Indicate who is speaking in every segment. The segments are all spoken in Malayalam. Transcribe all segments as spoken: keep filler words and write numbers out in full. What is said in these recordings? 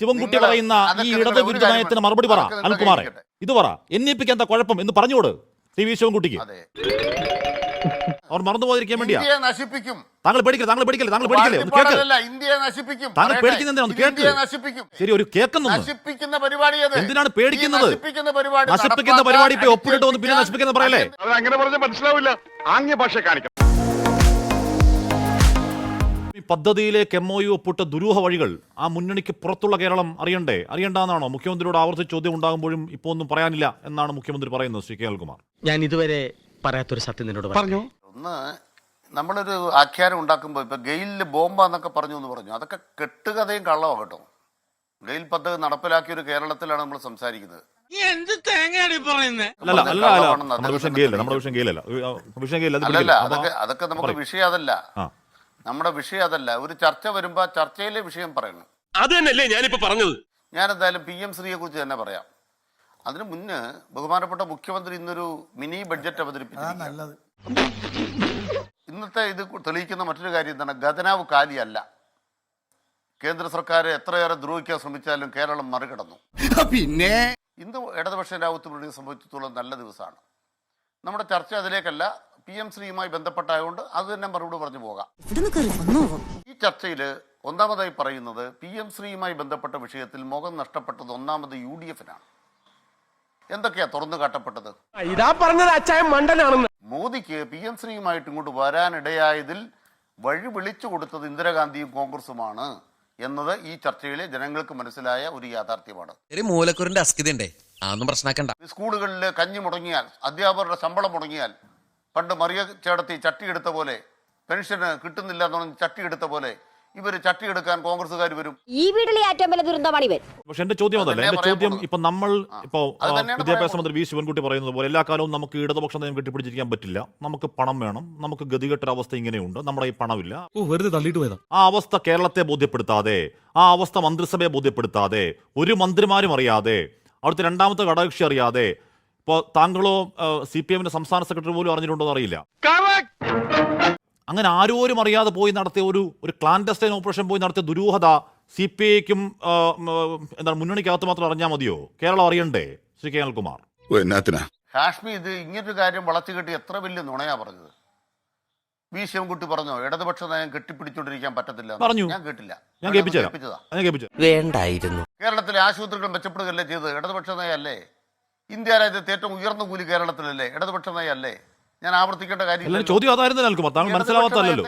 Speaker 1: ശിവൻകുട്ടി പറയുന്ന ഈ ഇടത് വിരുദ്ധ നയത്തിന് മറുപടി പറ അനിൽകുമാറെ. ഇത് പറ, എൻ ഇ പിക്ക് എന്താ കുഴപ്പം എന്ന് പറഞ്ഞോട് ടി വി ശിവൻകുട്ടിക്ക്. അവർ മറന്നു പോയിരിക്കാൻ വേണ്ടിയാ.
Speaker 2: നശിപ്പിക്കും.
Speaker 1: താങ്കൾ പേടിക്കില്ല, താങ്കൾ പേടിക്കില്ല, താങ്കൾ പേടിക്കില്ലേ?
Speaker 2: ഇന്ത്യയെ നശിപ്പിക്കും.
Speaker 1: താങ്കൾ പേടിക്കുന്നതെന്താണ്? കേൾക്ക്. ശരി, ഒരു കേൾക്കുന്നു.
Speaker 2: നശിപ്പിക്കുന്ന പരിപാടി
Speaker 1: എന്തിനാണ് പേടിക്കുന്നത്? നശിപ്പിക്കുന്ന പരിപാടി ഇപ്പൊ ഒപ്പിട്ട് വന്ന് പിന്നെ നശിപ്പിക്കുന്ന പറയല്ലേ?
Speaker 3: അങ്ങനെ പറഞ്ഞ മനസ്സിലാവില്ല. ആംഗ്യ ഭാഷ കാണിക്കണം.
Speaker 1: ഈ പദ്ധതിയിലേക്ക് എം ഒ യു ഒപ്പിട്ട ദുരൂഹ വഴികൾ ആ മുന്നണിക്ക് പുറത്തുള്ള കേരളം അറിയണ്ടേ? അറിയണ്ടെന്നാണോ മുഖ്യമന്ത്രിയോട് ആവർത്തിച്ച് ചോദ്യം ഉണ്ടാകുമ്പോഴും ഇപ്പൊ ഒന്നും പറയാനില്ല എന്നാണ് മുഖ്യമന്ത്രി പറയുന്നത്? ശ്രീ കെ അനിൽകുമാർ,
Speaker 4: ഞാൻ ഇതുവരെ പറയാത്തൊരു സത്യം നിന്നോട് പറഞ്ഞു.
Speaker 2: ഒന്ന്, നമ്മളൊരു ആഖ്യാനം ഉണ്ടാക്കുമ്പോൾ ഇപ്പൊ ഗെയിലിൽ ബോംബെന്നൊക്കെ പറഞ്ഞു എന്ന് പറഞ്ഞു, അതൊക്കെ കെട്ടുകഥയും കള്ളമാണ് കേട്ടോ. ഗെയിൽ പദ്ധതി നടപ്പിലാക്കിയ ഒരു കേരളത്തിലാണ് നമ്മൾ സംസാരിക്കുന്നത്. അതൊക്കെ നമുക്ക് വിഷയം അതല്ല, നമ്മുടെ വിഷയം അതല്ല. ഒരു ചർച്ച വരുമ്പോ ചർച്ചയിലെ വിഷയം പറയണം.
Speaker 3: അത് തന്നെയല്ലേ ഞാനിപ്പോ പറഞ്ഞത്.
Speaker 2: ഞാൻ എന്തായാലും പി എം ശ്രീയെ കുറിച്ച് തന്നെ പറയാം. അതിനു മുന്നേ ബഹുമാനപ്പെട്ട മുഖ്യമന്ത്രി ഇന്നൊരു മിനി ബഡ്ജറ്റ് അവതരിപ്പിച്ചിരിക്കുകയാണ്. ഇന്നത്തെ ഇത് തെളിയിക്കുന്ന മറ്റൊരു കാര്യം എന്താണ്? ഖജനാവ് കാലിയല്ല. കേന്ദ്ര സർക്കാർ എത്രയേറെ ദ്രോഹിക്കാൻ ശ്രമിച്ചാലും കേരളം മറികടന്നു. പിന്നെ ഇന്ന് ഇടതുപക്ഷ രാവുത്ത് സംബന്ധിച്ചിടത്തോളം നല്ല ദിവസമാണ്. നമ്മുടെ ചർച്ച അതിലേക്കല്ല, പി എം ശ്രീയുമായി ബന്ധപ്പെട്ടായതുകൊണ്ട് അത് തന്നെ മറുപടി പറഞ്ഞു പോകാം. ഈ ചർച്ചയിൽ ഒന്നാമതായി പറയുന്നത് പി എം ശ്രീയുമായി ബന്ധപ്പെട്ട വിഷയത്തിൽ മുഖം നഷ്ടപ്പെട്ടത് ഒന്നാമത് യു ഡി എഫിനാണ്. എന്തൊക്കെയാ തുറന്നു കാട്ടപ്പെട്ടത്?
Speaker 4: ഇതാ പറഞ്ഞത് അച്ചായ മണ്ടനാണെന്ന്.
Speaker 2: മോദിക്ക് പി എം ശ്രീയുമായിട്ട് ഇങ്ങോട്ട് വരാനിടയായതിൽ വഴി വിളിച്ചു കൊടുത്തത് ഇന്ദിരാഗാന്ധിയും കോൺഗ്രസുമാണ് എന്നത് ഈ ചർച്ചയിലെ ജനങ്ങൾക്ക് മനസ്സിലായ ഒരു യാഥാർത്ഥ്യമാണ്.
Speaker 5: മൂലക്കുറിന്റെ അസ്കിതണ്ടേ, അതൊന്നും പ്രശ്നമാക്കണ്ട.
Speaker 2: സ്കൂളുകളിൽ കഞ്ഞി മുടങ്ങിയാൽ, അധ്യാപകരുടെ ശമ്പളം മുടങ്ങിയാൽ, പണ്ട് മറിയ ചേടത്തി ചട്ടിയെടുത്ത പോലെ, പെൻഷന് കിട്ടുന്നില്ല എന്ന് പറഞ്ഞ് ചട്ടിയെടുത്ത പോലെ ഇവര് ചട്ടിയെടുക്കാൻ കോൺഗ്രസ്സുകാർ വരും.
Speaker 6: ഈ വീട്ടിലെ ഏറ്റവും വലിയ ദുരന്തമാണ് ഇവർ.
Speaker 1: പക്ഷെ എന്റെ ചോദ്യം അതല്ല. എന്റെ ചോദ്യം ഇപ്പൊ നമ്മൾ ഇപ്പോ വിദ്യാഭ്യാസ മന്ത്രി വി ശിവൻകുട്ടി പറയുന്നത് പോലെ എല്ലാ കാലവും നമുക്ക് ഇടതുപക്ഷ നയം കെട്ടിപ്പിടിച്ചിരിക്കാൻ പറ്റില്ല. നമുക്ക് പണം വേണം, നമുക്ക് ഗതികെട്ടൊരവസ്ഥ ഇങ്ങനെയുണ്ട്, നമ്മുടെ ഈ പണമില്ല.
Speaker 7: വെറുതെ തള്ളിയിട്ട് പോയതാ. ആ
Speaker 1: അവസ്ഥ കേരളത്തെ ബോധ്യപ്പെടുത്താതെ, ആ അവസ്ഥ മന്ത്രിസഭയെ ബോധ്യപ്പെടുത്താതെ, ഒരു മന്ത്രിമാരും അറിയാതെ, അവിടുത്തെ രണ്ടാമത്തെ ഘടകകക്ഷി അറിയാതെ, ഇപ്പോൾ താങ്കളോ സി പി എമ്മിന്റെ സംസ്ഥാന സെക്രട്ടറി പോലും അറിഞ്ഞിട്ടുണ്ടോ എന്നറിയില്ല. അങ്ങനെ ആരോരും അറിയാതെ പോയി നടത്തിയ ഒരു ഒരു ക്ലാൻഡസ്റ്റൈൻ ഓപ്പറേഷൻ പോയി നടത്തിയ ദുരൂഹത സി പി ഐക്കും എന്താണ് മുന്നണിക്കകത്ത് മാത്രം അറിഞ്ഞാൽ മതിയോ? കേരളം അറിയണ്ടേ? ശ്രീ കെ അനിൽകുമാർ,
Speaker 2: ഹാഷ്മി ഇത് ഇങ്ങനൊരു കാര്യം വളച്ചു കെട്ടി എത്ര വലിയ നുണയാ പറഞ്ഞത്? വി ശിവൻകുട്ടി പറഞ്ഞോ ഇടതുപക്ഷ നയം കെട്ടിപ്പിടിച്ചോണ്ടിരിക്കാൻ പറ്റത്തില്ല?
Speaker 1: പറഞ്ഞു.
Speaker 2: ഞാൻ കേട്ടില്ല.
Speaker 1: ഞാൻ കേൾപ്പിച്ചതാ.
Speaker 5: വേണ്ടായിരുന്നു.
Speaker 2: കേരളത്തിലെ ആശുപത്രികൾ മെച്ചപ്പെടുകയല്ലേ ചെയ്തത്? ഇടതുപക്ഷ നയല്ലേ? ഇന്ത്യ രാജ്യത്തെ ഏറ്റവും ഉയർന്ന കൂലി കേരളത്തിലല്ലേ? ഇടതുപക്ഷ നയല്ലേ? ഞാൻ ആവർത്തിക്കേണ്ട കാര്യം
Speaker 1: ചോദ്യം അതായിരുന്നു. താങ്കൾ മനസ്സിലാവാത്തല്ലോ.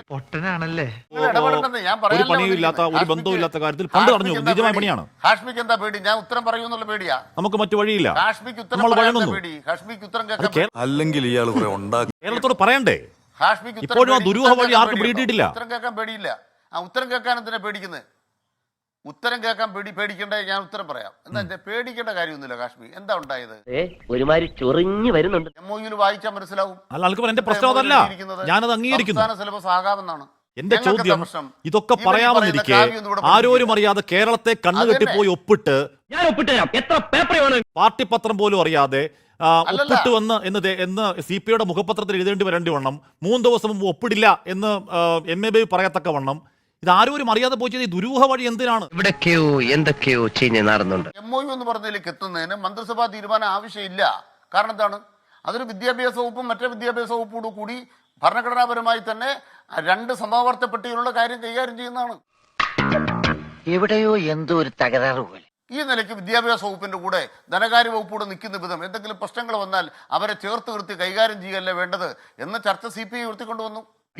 Speaker 1: ഒരു പണിയില്ലാത്ത, ഒരു ബന്ധവുമില്ലാത്ത കാര്യത്തിൽ പണ്ട് പറഞ്ഞു നിജമായ പണിയാണ്.
Speaker 2: ഹാഷ്മിക്ക് എന്താ പേടി? ഞാൻ ഉത്തരം പറയുന്നുള്ള പേടിയാ?
Speaker 1: നമുക്ക് മറ്റു വഴിയില്ല.
Speaker 2: ഹാഷ്മിക്ക് ഉത്തരം പേടി. ഹാഷ്മിക്ക് ഉത്തരം കേൾക്കാൻ
Speaker 7: അല്ലെങ്കിൽ ഇയാൾ
Speaker 1: കേരളത്തോട് പറയണ്ടേ?
Speaker 2: ഹാഷ്മിക്ക്
Speaker 1: ഇപ്പോഴും ആ ദുരൂഹ വഴി ആർക്കും പിടിയിട്ടില്ല.
Speaker 2: ഉത്തരം കേൾക്കാൻ പേടിയില്ല. ആ ഉത്തരം കേൾക്കാൻ എന്തിനാ പേടിക്കുന്നത്? ഉത്തരം കേൾക്കാൻ പേടി പേടിക്കേണ്ട ഞാൻ ഉത്തരം പറയാം. എന്താ പേടിക്കേണ്ട കാര്യമൊന്നുമില്ല. കാശ്മീർ എന്താ ഉണ്ടായത്?
Speaker 4: ഒരുമാതിരി ചൊറിഞ്ഞു വരുന്നുണ്ട്.
Speaker 2: എം ഒ യുയിൽ വായിച്ചാൽ മനസ്സിലാവും.
Speaker 1: എന്റെ പ്രശ്നം അതല്ല, ഞാനത് അംഗീകരിക്കുന്നു.
Speaker 2: സിലബസ് ആകാമെന്നാണ്
Speaker 1: എന്റെ ചോദ്യം. ഇതൊക്കെ പറയാമെന്നിരിക്കെ ആരോരും അറിയാതെ കേരളത്തെ കണ്ണുകെട്ടിപ്പോയി ഒപ്പിട്ട്, പാർട്ടി പത്രം പോലും അറിയാതെ ഒപ്പിട്ട് വന്ന് എന്ന് എന്ന് സി പി ഐയുടെ മുഖപത്രത്തിൽ എഴുതേണ്ടി വരേണ്ടി വണ്ണം, മൂന്ന് ദിവസം മുമ്പ് ഒപ്പിടില്ല എന്ന് എം എ ബി പറയത്തക്ക വണ്ണം ഇത് ആരും അറിയാതെ പോയി ഈ ദുരൂഹ വഴി എന്തിനാണ്?
Speaker 4: ഇവിടെയൊക്കെയോ എന്തൊക്കെയോ ചീഞ്ഞ് നടന്നുണ്ട്.
Speaker 2: എം ഒ യു എന്ന് പറഞ്ഞതിലേക്ക് എത്തുന്നതിന് മന്ത്രിസഭാ തീരുമാനം ആവശ്യമില്ല. കാരണം എന്താണ്? അതൊരു വിദ്യാഭ്യാസ വകുപ്പും മറ്റേ വിദ്യാഭ്യാസ വകുപ്പോടു കൂടി ഭരണഘടനാപരമായി തന്നെ രണ്ട് സമാവർത്ത പട്ടികയിലുള്ള കാര്യം കൈകാര്യം ചെയ്യുന്നതാണ്.
Speaker 4: എവിടെയോ എന്തോ ഒരു തകരാറ് പോലെ.
Speaker 2: ഈ നിലയ്ക്ക് വിദ്യാഭ്യാസ വകുപ്പിന്റെ കൂടെ ധനകാര്യ വകുപ്പോടെ നിൽക്കുന്ന വിധം എന്തെങ്കിലും പ്രശ്നങ്ങൾ വന്നാൽ അവരെ ചേർത്ത് നിർത്തി കൈകാര്യം ചെയ്യല്ലേ വേണ്ടത് എന്ന ചർച്ച സി പി ഐ ഉയർത്തിക്കൊണ്ടുവന്നു.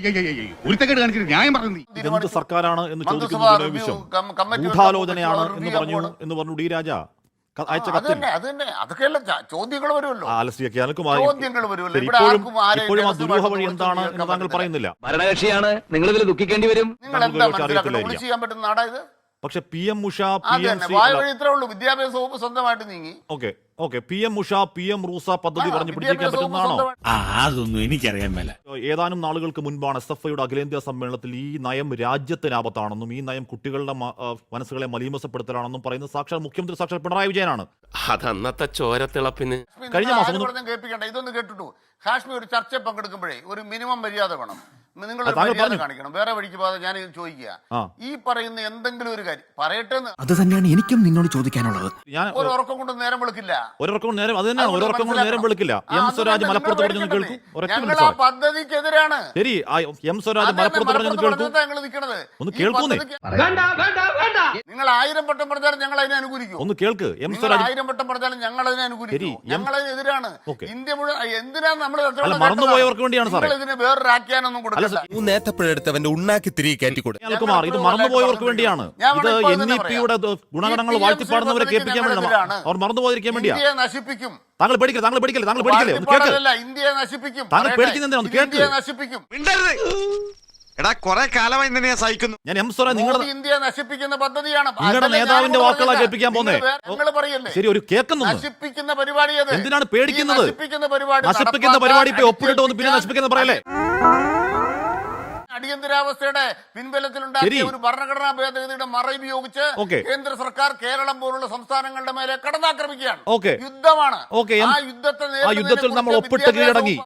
Speaker 1: എന്ത് സർക്കാരാണ് എന്ന് ചോദിക്കുന്നത് ഗൂഢാലോചനയാണ് എന്ന് പറഞ്ഞു എന്ന് പറഞ്ഞു ഡി രാജ അയച്ച കത്തിൽ.
Speaker 2: ചോദ്യങ്ങൾ വരുമല്ലോ.
Speaker 1: ഇപ്പോഴും ആ ദുരൂഹ വഴി എന്താണ് എന്ന് താങ്കൾ പറയുന്നില്ല.
Speaker 4: ഭരണകക്ഷിയാണ്, നിങ്ങൾ ഇതിൽ ദുഃഖിക്കേണ്ടി വരും.
Speaker 2: ചെയ്യാൻ പറ്റുന്ന നാടായത്.
Speaker 1: പക്ഷെ P M USHA, P M
Speaker 2: വിദ്യാഭ്യാസ വകുപ്പ് സ്വന്തമായിട്ട് നീങ്ങി.
Speaker 1: Okay okay P M USHA, P M RUSA പദ്ധതി പറഞ്ഞ് പിടിച്ചിരിക്കാൻ പറ്റുന്നതാണോ?
Speaker 7: അതൊന്നും എനിക്കറിയാൻ മേല.
Speaker 1: ഏതാനും നാളുകൾക്ക് മുൻപാണ് എസ് എഫ് ഐയുടെ അഖിലേന്ത്യാ സമ്മേളനത്തിൽ ഈ നയം രാജ്യത്തിന് ആപത്താണെന്നും ഈ നയം കുട്ടികളുടെ മനസ്സുകളെ മലീമസപ്പെടുത്തലാണെന്നും പറയുന്നത് സാക്ഷാൽ മുഖ്യമന്ത്രി സാക്ഷാൽ പിണറായി വിജയനാണ്.
Speaker 5: അതന്നത്തെ ചോരത്തിളപ്പിന്
Speaker 1: കഴിഞ്ഞ മാസം
Speaker 2: കേൾപ്പിക്കണ്ട. ഇതൊന്ന് കേട്ടിട്ടു. കാശ്മീർ ഒരു ചർച്ചയിൽ പങ്കെടുക്കുമ്പോഴേ ഒരു മിനിമം മര്യാദ വേണം. നിങ്ങൾ
Speaker 1: താങ്കൾ
Speaker 2: മര്യാദ
Speaker 1: പറഞ്ഞു.
Speaker 2: കാണിക്കണം. വേറെ വഴിക്ക് പോകാതെ ഞാൻ ചോദിക്കുക,
Speaker 1: ആ.
Speaker 2: ഈ പറയുന്ന എന്തെങ്കിലും ഒരു കാര്യം പറയട്ടെ എന്ന്
Speaker 7: അത് തന്നെയാണ് എനിക്കും നിന്നോട് ചോദിക്കാനുള്ളത്.
Speaker 1: ഞാൻ
Speaker 2: ഒരു ഉറക്കം കൊണ്ട് നേരം വെളുക്കില്ല.
Speaker 1: ഒരൊറക്കം കൊണ്ട് നേരം അത് തന്നെയാണ്
Speaker 2: അതുകൊണ്ട്
Speaker 1: ഒരൊറക്കം കൊണ്ട് നേരം വെളുക്കില്ല.
Speaker 2: ആ,
Speaker 1: എം
Speaker 2: അത്
Speaker 1: സ്വരാജ്
Speaker 2: നിങ്ങൾ
Speaker 1: മലപ്പുറത്ത് പറഞ്ഞു
Speaker 2: പേടിക്കണ്ടേ?
Speaker 1: കേൾക്കും. ഒരൊറ്റ
Speaker 2: ഞങ്ങൾ
Speaker 1: മിനിറ്റ്
Speaker 2: ആ
Speaker 1: സാറേ.
Speaker 2: പദ്ധതിക്കെതിരാണ്.
Speaker 1: ശരി, ആ എം സ്വരാജ്
Speaker 2: അതന്നെ
Speaker 1: മലപ്പുറത്ത് പറഞ്ഞു
Speaker 2: മലപ്പുറത്ത്
Speaker 1: കേൾക്കും.
Speaker 2: പറഞ്ഞിട്ടാ ഞങ്ങൾ നിൽക്കണത്.
Speaker 1: ഒന്ന്
Speaker 2: ഈ
Speaker 1: കേൾക്കൂന്നേ.
Speaker 2: പദ്ധതിക്ക് നിങ്ങൾ ആയിരം വട്ടം പറഞ്ഞാലും ഞങ്ങൾ അതിനെ അനുകൂലിക്കും.
Speaker 1: ഒന്ന് കേൾക്ക്. എം
Speaker 2: നിങ്ങൾ
Speaker 1: സ്വരാജ്
Speaker 2: ആയിരം വട്ടം പറഞ്ഞാലും ഞങ്ങൾ അതിനെ അനുകൂലിക്കും.
Speaker 1: ശരി, എം-
Speaker 2: ഞങ്ങൾ അതിനെതിരാണ്.
Speaker 1: ഓക്കെ.
Speaker 2: ഇന്ത്യ മുഴുവൻ എന്തിനാണ് നമ്മൾ
Speaker 1: അല്ല, മറന്നുപോയവർക്ക് വേണ്ടിയാണ് സാറേ.
Speaker 2: ഇതിന് വേറൊരു ആഖ്യാനൊന്നും കൊടുക്കില്ല.
Speaker 5: നേത്തപ്പോഴെടുത്ത് അവന്റെ ഉണ്ണാക്കി തിരികെ കയറ്റിക്കൂടെ?
Speaker 1: കുമാർ, ഇത് മറന്നുപോയവർക്ക് വേണ്ടിയാണ്.
Speaker 2: ഞാൻ
Speaker 1: ഇത്
Speaker 2: ഇപ്പോൾ
Speaker 1: എൻ
Speaker 2: തന്നെ
Speaker 1: ഇ പിയുടെ ഗുണഗണങ്ങൾ
Speaker 2: ഈ പി എം
Speaker 1: വാഴ്ത്തി പാടുന്നവരെ
Speaker 2: സി
Speaker 1: കേൾപ്പിക്കാൻ വേണ്ടിയാണ്.
Speaker 2: ഞങ്ങളെതിരാണ്.
Speaker 1: അവർ മറന്നുപോയിരിക്കാൻ വേണ്ടിയാ.
Speaker 2: ഇന്ത്യയെ നശിപ്പിക്കും.
Speaker 1: താങ്കൾ പേടിക്കില്ല, താങ്കൾ പേടിക്കില്ല, താങ്കൾ പേടിക്കില്ലേ? ഒന്ന് കേൾക്ക്.
Speaker 2: വാഴ്ത്തിപ്പാടലല്ല, ഇന്ത്യയെ നശിപ്പിക്കും.
Speaker 1: താങ്കൾ
Speaker 2: പറയട്ടെ.
Speaker 1: പേടിക്കുന്നതെന്തിനാ? ഒന്ന്
Speaker 2: ഇത്
Speaker 1: കേൾക്ക്.
Speaker 2: ഇന്ത്യയെ നശിപ്പിക്കും.
Speaker 3: എടാ കൊറേ കാലമായി നിന്നെ ഞാൻ സഹിക്കുന്നു.
Speaker 1: ഞാൻ എം സ്വരാജ് നിങ്ങളുടെ
Speaker 2: മോദി ഇന്ത്യയെ നശിപ്പിക്കുന്ന പദ്ധതിയാണ്.
Speaker 1: നിങ്ങളുടെ
Speaker 2: അതല്ലേ ഞാൻ
Speaker 1: നേതാവിന്റെ
Speaker 2: ഇവിടെ
Speaker 1: വാക്കുകളാ
Speaker 2: പറഞ്ഞത്.
Speaker 1: കേൾപ്പിക്കാൻ പോന്നേ.
Speaker 2: നിങ്ങൾ വേറെ- നിങ്ങൾ പറയല്ലേ
Speaker 1: ശരി, ഒരു കേൾക്കുന്നു.
Speaker 2: നശിപ്പിക്കുന്ന പരിപാടി അത്.
Speaker 1: എന്തിനാണ്
Speaker 2: ഈ
Speaker 1: പേടിക്കുന്നത്?
Speaker 2: നശിപ്പിക്കുന്ന പരിപാടി
Speaker 1: നശിപ്പിക്കുന്ന പരിപാടി ഇപ്പൊ ഒപ്പിട്ട് വന്ന് പിന്നെ നശിപ്പിക്കുന്ന പറയല്ലേ?
Speaker 2: അടിയന്തരാവസ്ഥയുടെ പിൻബലത്തിലുണ്ടാക്കിയ
Speaker 1: ശരി.
Speaker 2: ഒരു ഭരണഘടനാ ഭേദഗതിയുടെ മറയുപയോഗിച്ച്
Speaker 1: ഓക്കെ.
Speaker 2: കേന്ദ്ര സർക്കാർ കേരളം പോലുള്ള സംസ്ഥാനങ്ങളുടെ മേലെ കടന്നാക്രമിക്കുകയാണ്.
Speaker 1: ഓക്കെ.
Speaker 2: യുദ്ധമാണ്.
Speaker 1: ഓക്കെ. എം-
Speaker 2: ആ യുദ്ധത്തെ
Speaker 1: ആ
Speaker 2: നേരിടുന്നതിനെ
Speaker 1: യുദ്ധത്തിൽ നമ്മൾ
Speaker 2: കുറിച്ച്
Speaker 1: ഒപ്പിട്ട് കീഴടങ്ങി.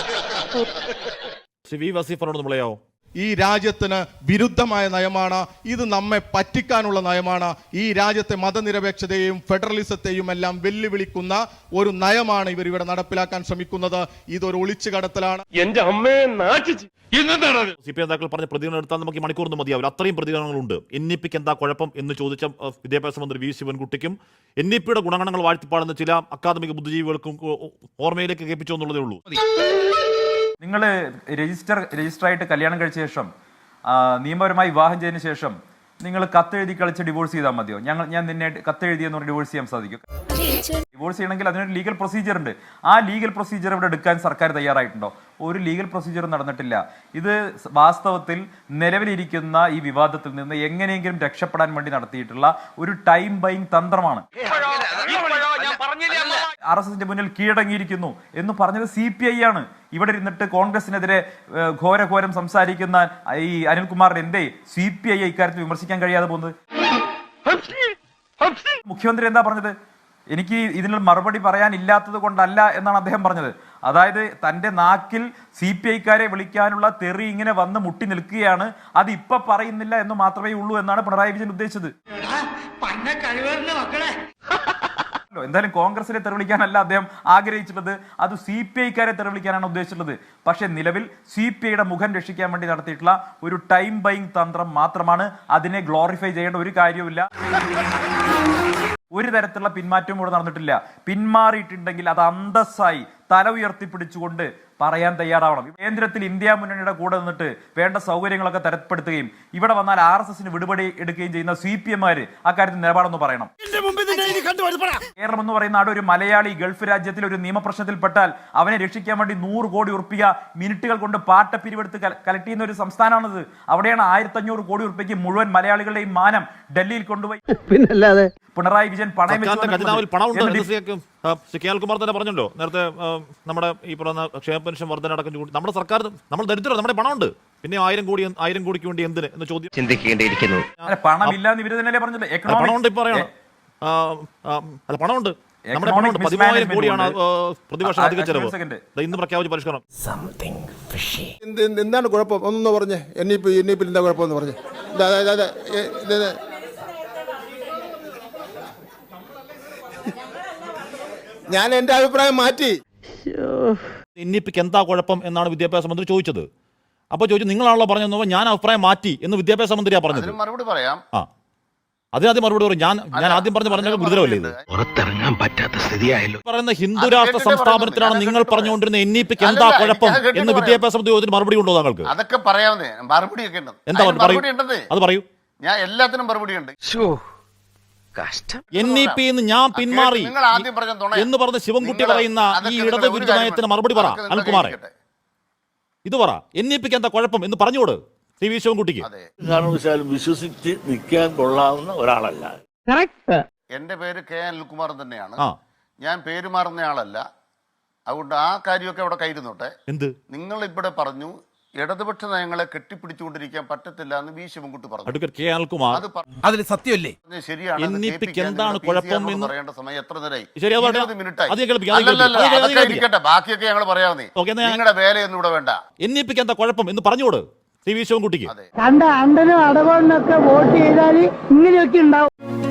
Speaker 2: വിദ്യാഭ്യാസ
Speaker 1: ശ്രീ വി വസീഫിനോട് നമ്മളെയോ
Speaker 8: ഈ രാജ്യത്തിന് വിരുദ്ധമായ നയമാണ് ഇത്. നമ്മെ പറ്റിക്കാനുള്ള നയമാണ്. ഈ രാജ്യത്തെ മതനിരപേക്ഷതയെയും ഫെഡറലിസത്തെയും എല്ലാം വെല്ലുവിളിക്കുന്ന ഒരു നയമാണ് ഇവർ ഇവിടെ നടപ്പിലാക്കാൻ ശ്രമിക്കുന്നത്. ഇതൊരു ഒളിച്ചു കടത്തലാണ്.
Speaker 3: എന്റെ അമ്മയെ നാട്ടിച്ച് ഇന്നെന്താണ്
Speaker 1: സി പി നേതാക്കൾ പറഞ്ഞ പ്രതികരണം എടുത്താൽ നമുക്ക് ഈ മണിക്കൂറൊന്നും മതിയാവില്ല. അത്രയും പ്രതികരണങ്ങളുണ്ട്. എൻ ഇ പിക്ക് എന്താ കുഴപ്പം എന്ന് ചോദിച്ച അഹ്, വിദ്യാഭ്യാസ മന്ത്രി വി ശിവൻകുട്ടിക്കും എൻ ഇ പിയുടെ ഗുണഗണങ്ങൾ വാഴ്ത്തിപ്പാടുന്ന ചില അക്കാദമിക ബുദ്ധിജീവികൾക്കും ഓ- ഓർമ്മയിലേക്ക് കേൾപ്പിച്ചു എന്നുള്ളതേ ഉള്ളൂ.
Speaker 9: നിങ്ങൾ രജിസ്റ്റർ രജിസ്റ്റർ ആയിട്ട് കല്യാണം കഴിച്ച ശേഷം ആ, നിയമപരമായി വിവാഹം ചെയ്തതിന് ശേഷം നിങ്ങൾ കത്തെഴുതി കളിച്ച് ഡിവോഴ്സ് ചെയ്താൽ മതിയോ? ഞങ്ങൾ ഞാൻ നിന്നെ കത്തെഴുതിയെന്ന് പറഞ്ഞ് ഡിവോഴ്സ് ചെയ്യാൻ സാധിക്കും? ഡിവോഴ്സ് ചെയ്യണമെങ്കിൽ അതിനൊരു ലീഗൽ പ്രൊസീജിയർ ഉണ്ട്. ആ ലീഗൽ പ്രൊസീജിയർ ഇവിടെ എടുക്കാൻ സർക്കാർ തയ്യാറായിട്ടുണ്ടോ? ഒരു ലീഗൽ പ്രൊസീജിയർ നടന്നിട്ടില്ല. ഇത് വാസ്തവത്തിൽ നിലവിലിരിക്കുന്ന ഈ വിവാദത്തിൽ നിന്ന് എങ്ങനെയെങ്കിലും രക്ഷപ്പെടാൻ വേണ്ടി നടത്തിയിട്ടുള്ള ഒരു ടൈം ബൈങ് തന്ത്രമാണ്. ആർ എസ് എസിന്റെ മുന്നിൽ കീഴടങ്ങിയിരിക്കുന്നു എന്ന് പറഞ്ഞത് സി പി ഐ ആണ്. ഇവിടെ ഇരുന്നിട്ട് കോൺഗ്രസിനെതിരെ ഏഹ്, ഘോരഘോരം സംസാരിക്കുന്ന ഈ അനിൽകുമാറിന് എന്തേ സി പി ഐ ഇക്കാര്യത്തിൽ വിമർശിക്കാൻ കഴിയാതെ പോകുന്നത്? മുഖ്യമന്ത്രി എന്താ പറഞ്ഞത്? എനിക്ക് ഇതിനുള്ള മറുപടി പറയാനില്ലാത്തത് കൊണ്ടല്ല എന്നാണ് അദ്ദേഹം പറഞ്ഞത്. അതായത് തന്റെ നാക്കിൽ സി പി ഐക്കാരെ വിളിക്കാനുള്ള തെറി ഇങ്ങനെ വന്ന് മുട്ടി നിൽക്കുകയാണ്. അത് ഇപ്പൊ പറയുന്നില്ല എന്ന് മാത്രമേ ഉള്ളൂ എന്നാണ് പിണറായി വിജയൻ ഉദ്ദേശിച്ചത്. എന്തായാലും കോൺഗ്രസിനെ തെറിവിളിക്കാനല്ല അദ്ദേഹം ആഗ്രഹിച്ചിട്ടുള്ളത്, അത് സി പി ഐക്കാരെ തെറിവിളിക്കാനാണ് ഉദ്ദേശിച്ചിട്ടുള്ളത്. പക്ഷെ നിലവിൽ സി പി ഐയുടെ മുഖം രക്ഷിക്കാൻ വേണ്ടി നടത്തിയിട്ടുള്ള ഒരു ടൈം ബൈങ് തന്ത്രം മാത്രമാണ്. അതിനെ ഗ്ലോറിഫൈ ചെയ്യേണ്ട ഒരു കാര്യവുമില്ല. ഒരു തരത്തിലുള്ള പിന്മാറ്റവും ഇവിടെ നടന്നിട്ടില്ല. പിന്മാറിയിട്ടുണ്ടെങ്കിൽ അത് അന്തസ്സായി തല ഉയർത്തിപ്പിടിച്ചുകൊണ്ട് പറയാൻ തയ്യാറാവണം. കേന്ദ്രത്തിൽ ഇന്ത്യ മുന്നണിയുടെ കൂടെ നിന്നിട്ട് വേണ്ട സൗകര്യങ്ങളൊക്കെ തരപ്പെടുത്തുകയും ഇവിടെ വന്നാൽ ആർ എസ് എസിന് വിടുപടി എടുക്കുകയും ചെയ്യുന്ന സി പി എമാര് അക്കാര്യത്തിൽ നിലപാടൊന്ന് പറയണം. കേരളം എന്ന് പറയുന്ന നാട് ഒരു മലയാളി ഗൾഫ് രാജ്യത്തിൽ ഒരു നിയമപ്രശ്നത്തിൽപ്പെട്ടാൽ അവനെ രക്ഷിക്കാൻ വേണ്ടി നൂറ് കോടി ഉറുപ്പിക മിനിറ്റുകൾ കൊണ്ട് പാട്ട പിരിവെടുത്ത് കലക്ട് ചെയ്യുന്ന ഒരു സംസ്ഥാനമാണിത്. അവിടെയാണ് ആയിരത്തി അഞ്ഞൂറ് കോടി ഉറുപ്പിക്ക് മുഴുവൻ മലയാളികളുടെയും മാനം ഡൽഹിയിൽ കൊണ്ടുപോയി
Speaker 4: പിന്നല്ലാതെ
Speaker 9: പിണറായി വിജയൻ പണയം
Speaker 1: സർക്കാരിന്റെ ഖജനാവിൽ പണമുണ്ട് എന്ന്
Speaker 9: വെച്ചു.
Speaker 1: ശ്രീ ആ, ശ്രീ കെ എൽകുമാർ തന്നെ പറഞ്ഞല്ലോ നേരത്തെ. ആ, നമ്മുടെ ഈ പറയുന്ന ക്ഷേമ പെൻഷൻ വർധന അടക്കം കൂടി നമ്മുടെ സർക്കാർ നമ്മൾ ദരിദ്രം, നമ്മുടെ പണമുണ്ട്, പിന്നെ ആയിരം കോടി ആയിരം കോടിക്ക് വേണ്ടി എന്തിന് എന്ന് ചോദ്യം
Speaker 5: ചിന്തിക്കേണ്ടിയിരിക്കുന്നു.
Speaker 9: അല്ല, പണമില്ല എന്ന് ഇവര് തന്നെയല്ലേ പറഞ്ഞത്.
Speaker 1: അല്ല, പണമുണ്ട് ഇപ്പൊ പറയണം. ആ, ആ, അല്ല പണമുണ്ട്, നമ്മുടെ പണമുണ്ട്. പതിമൂവായിരം കോടിയാണ് ആ, പ്രതിവർഷം അധിക ചെലവ്. ദാ ഇന്ന് പ്രഖ്യാപിച്ച പരിഷ്കരണം.
Speaker 10: എന്താണ് കുഴപ്പം ഒന്നൊന്ന് പറഞ്ഞേ. N E P N E പിയിൽ എന്താ കുഴപ്പമെന്ന് പറഞ്ഞേ. ഞാൻ എന്റെ അഭിപ്രായം മാറ്റി.
Speaker 1: എൻ ഇ പിക്ക് എന്താ കുഴപ്പം എന്നാണ് വിദ്യാഭ്യാസ മന്ത്രി ചോദിച്ചത്. അപ്പോൾ ചോദിച്ചു നിങ്ങളാണല്ലോ പറഞ്ഞത്, ഞാൻ അഭിപ്രായം മാറ്റി എന്ന് വിദ്യാഭ്യാസ മന്ത്രിയാ പറഞ്ഞത്.
Speaker 2: അതിന് മറുപടി പറയാം.
Speaker 1: ആ, അതിനാദ്യം മറുപടി പറയും. ഞാൻ ഞാൻ ആദ്യം പറഞ്ഞ പറഞ്ഞ ഗുരുതരമല്ലേ ഇത്?
Speaker 5: പുറത്തിറങ്ങാൻ പറ്റാത്ത സ്ഥിതിയായല്ലോ.
Speaker 1: പറയുന്ന ഹിന്ദു രാഷ്ട്ര സംസ്ഥാപനത്തിലാണ് നിങ്ങൾ പറഞ്ഞുകൊണ്ടിരുന്ന എൻ ഇ പിക്ക് എന്താ
Speaker 2: അല്ലല്ല,
Speaker 1: കുഴപ്പം
Speaker 2: ഞാൻ കേട്ടിട്ട്
Speaker 1: എന്ന് വിദ്യാഭ്യാസ മന്ത്രി ചോദിച്ചിട്ട് മറുപടി ഉണ്ടോ താങ്കൾക്ക്?
Speaker 2: അതൊക്കെ പറയാവുന്നേ. മറുപടി ഒക്കെ ഉണ്ട്.
Speaker 1: എന്താ
Speaker 2: അതിന്
Speaker 1: പറയൂ,
Speaker 2: മറുപടി ഉണ്ടെന്നേ.
Speaker 1: അത് പറയൂ.
Speaker 2: ഞാൻ എല്ലാത്തിനും മറുപടി ഉണ്ട്.
Speaker 5: കഷ്ടം.
Speaker 1: എൻ ഇ പി എന്ന് ഞാൻ പിന്മാറി
Speaker 2: നിങ്ങൾ ആദ്യം പറഞ്ഞ നുണ
Speaker 1: എന്ന് പറഞ്ഞ ശിവൻകുട്ടി
Speaker 2: നിങ്ങൾ-
Speaker 1: പറയുന്ന
Speaker 2: അതൊക്കെ
Speaker 1: ഈ
Speaker 2: നിങ്ങൾ
Speaker 1: ഇടത്
Speaker 2: ഒരു
Speaker 1: വിരുദ്ധനയത്തിന്
Speaker 2: കാര്യം-
Speaker 1: മറുപടി പറ.
Speaker 2: അതൊക്കെ നിങ്ങൾ
Speaker 1: അനിൽകുമാറെ
Speaker 2: കേൾക്കട്ടെ.
Speaker 1: ഇത് പറ, എൻ ഇ പിക്ക് എന്താ കുഴപ്പം എന്ന് പറഞ്ഞോട് ടി വി ശിവൻകുട്ടിക്ക്.
Speaker 2: അതെ,
Speaker 7: കാരണവശാലും വിശ്വസിച്ച് നിൽക്കാൻ കൊള്ളാവുന്ന ഒരാളല്ല.
Speaker 2: എന്റെ പേര് കെ അനിൽകുമാർ തന്നെയാണ്.
Speaker 1: ആ,
Speaker 2: ഞാൻ പേര് മാറുന്ന ആളല്ല. അതുകൊണ്ട് ആ കാര്യമൊക്കെ അവിടെ കയ്യിരുന്നോട്ടെ.
Speaker 1: എന്ത്
Speaker 2: നിങ്ങൾ ഇവിടെ പറഞ്ഞു ഇടതുപക്ഷ നയങ്ങളെ കെട്ടിപ്പിടിച്ചുകൊണ്ടിരിക്കാൻ പറ്റത്തില്ല എന്ന് വി ശിവൻകുട്ടി പറഞ്ഞു.
Speaker 1: അഡ്വക്കേറ്റ് കെ അനിൽകുമാർ
Speaker 2: അത്
Speaker 5: അതിൽ സത്യമല്ലേ?
Speaker 2: പറഞ്ഞത് ശരിയാണ്.
Speaker 1: എൻ
Speaker 2: അത്
Speaker 1: ഇ പിക്ക്
Speaker 2: കേൾപ്പിക്കാൻ
Speaker 1: എന്താണ്
Speaker 2: നിങ്ങൾ പി സി ആറിനോട്
Speaker 1: കുഴപ്പം എന്ന്
Speaker 2: പറയേണ്ട സമയം എത്ര നേരമായി?
Speaker 1: ശരി, അത്
Speaker 2: ഇരുപത്
Speaker 1: പറയട്ടെ.
Speaker 2: മിനിറ്റായി.
Speaker 1: അത് കേൾപ്പിക്കാം, അത്
Speaker 2: അല്ലല്ലല്ല,
Speaker 1: കേൾപ്പിക്കാം, അത്
Speaker 2: അതൊക്കെ
Speaker 1: കേൾപ്പിക്കാം.
Speaker 2: ഇരിക്കട്ടെ, ബാക്കിയൊക്കെ ഞങ്ങൾ പറയാവുന്നേ.
Speaker 1: ഓക്കേ, എന്നാ ഞാൻ-
Speaker 2: നിങ്ങളുടെ വേലയൊന്നും ഇവിടെ വേണ്ട.
Speaker 1: എൻ ഇ പിക്ക് എന്താ കുഴപ്പം എന്ന് പറഞ്ഞോട് സി വി ശിവൻകുട്ടിക്ക്.
Speaker 2: അതെ.
Speaker 4: കണ്ട അണ്ടനും അടവണ്ണൊക്കെ വോട്ട് ചെയ്താൽ ഇങ്ങനെയൊക്കെ ഉണ്ടാവും.